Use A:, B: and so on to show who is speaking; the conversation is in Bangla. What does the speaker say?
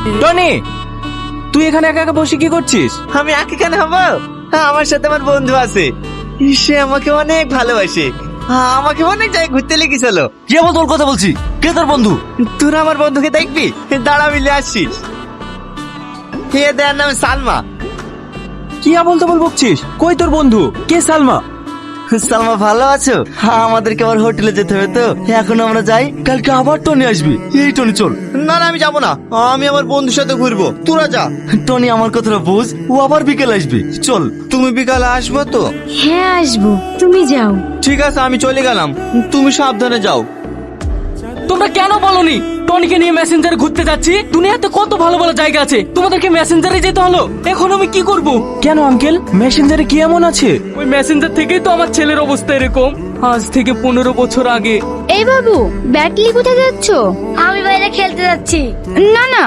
A: টনি, তুই এখানে একা একা বসে কি করছিস?
B: আমি একা কেন হব? আমার সাথে আমার বন্ধু আছে, সে আমাকে অনেক ভালোবাসে। আমাকে অনেক জায়গায় ঘুরতে লেগেছিল।
A: কি বল, তোর কথা বলছি। কে তোর বন্ধু?
B: তোর আমার বন্ধুকে দেখবি, দাঁড়া মিলে আসছিস। এ দেয়ার নাম সালমা।
A: কি বলতে বকছিস? কই তোর বন্ধু? কে সালমা?
B: সালমা ভালো আছো? আমাদেরকে আবার হোটেলে যেতে হবে তো, এখন আমরা যাই।
A: কালকে আবার টনি আসবি। এই টনি চল।
B: না না, আমি যাবো না, আমি আমার বন্ধুর সাথে ঘুরবো, তোরা যা।
A: টনি আমার কথাটা বুঝ, ও আবার বিকেল আসবে। চল।
B: তুমি বিকালে আসবো তো?
C: হ্যাঁ আসবো, তুমি যাও।
B: ঠিক আছে, আমি চলে গেলাম, তুমি সাবধানে যাও।
D: তোমরা কেন বলনি টনিকে নিয়ে মেসেঞ্জারে ঘুরতে যাচ্ছি? দুনিয়াতে কত ভালো ভালো জায়গা আছে, তোমাদেরকে মেসেঞ্জারে যেতে হলো। এখন আমি কি করব?
A: কেন আঙ্কেল, মেসেঞ্জারে কি এমন আছে?
D: ওই মেসেঞ্জার থেকেই তো আমার ছেলের অবস্থা এরকম। আজ থেকে 15 বছর আগে।
C: এই বাবু, ব্যাটলি কোথায় যাচ্ছ? আমি বাইরে খেলতে যাচ্ছি। না না,